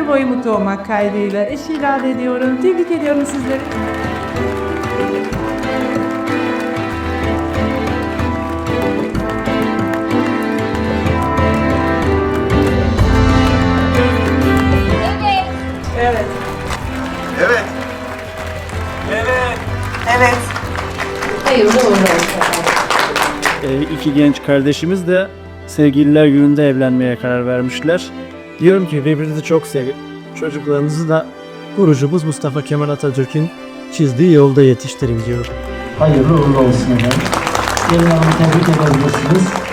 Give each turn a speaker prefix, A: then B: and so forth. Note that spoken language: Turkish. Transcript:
A: ömür boyu mutlu olmak kaydıyla eşi ilan ediyorum. Tebrik ediyorum sizleri. Evet.
B: Evet.
C: Evet.
A: Hayırlı uğurlu olsun.
D: İki genç kardeşimiz de sevgililer gününde evlenmeye karar vermişler. Diyorum ki birbirinizi çok sevin. Çocuklarınızı da kurucumuz Mustafa Kemal Atatürk'ün çizdiği yolda yetiştirin diyorum.
E: Hayırlı uğurlu olsun efendim. Gelin hanımı tebrik edebilirsiniz.